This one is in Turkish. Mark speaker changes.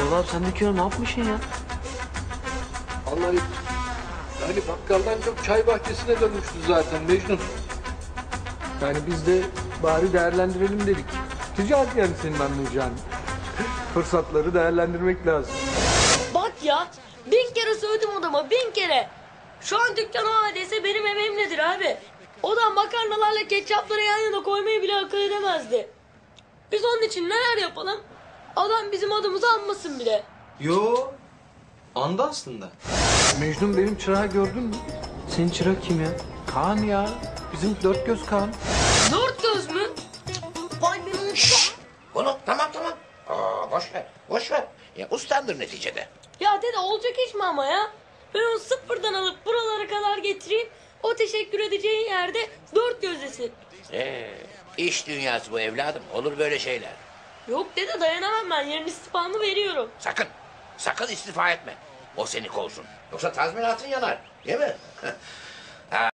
Speaker 1: Erdal abi sen dükkanı ne yapmışsın ya?
Speaker 2: Vallahi yani bakkaldan çok çay bahçesine dönmüştü zaten Mecnun. Yani biz de bari değerlendirelim dedik. Ticaret yani senin anlayacağın. Fırsatları değerlendirmek lazım.
Speaker 3: Bak ya 1000 kere söyledim adama 1000 kere. Şu an dükkan o haldeyse benim emeğimledir abi. O da makarnalarla ketçapları yan yana koymayı bile akıl edemezdi. Biz onun için neler yapalım? Adam bizim adımızı anmasın bile.
Speaker 1: Yo. Anda aslında.
Speaker 2: Mecnun benim çırağı gördün mü?
Speaker 1: Senin çırak kim ya?
Speaker 2: Kaan ya. Bizim dört göz Kaan.
Speaker 3: Dört göz mü? Vay benim
Speaker 4: Oğlum tamam. Boş ver, boş ver. Ya ustandır neticede.
Speaker 3: Ya dede olacak iş mi ama ya? Ben onu sıfırdan alıp buralara kadar getireyim. O teşekkür edeceğin yerde dört gözlesin.
Speaker 4: İş dünyası bu evladım. Olur böyle şeyler.
Speaker 3: Yok dede dayanamam ben. Yarın istifamı veriyorum.
Speaker 4: Sakın istifa etme. O seni kovsun. Yoksa tazminatın yanar. Değil mi?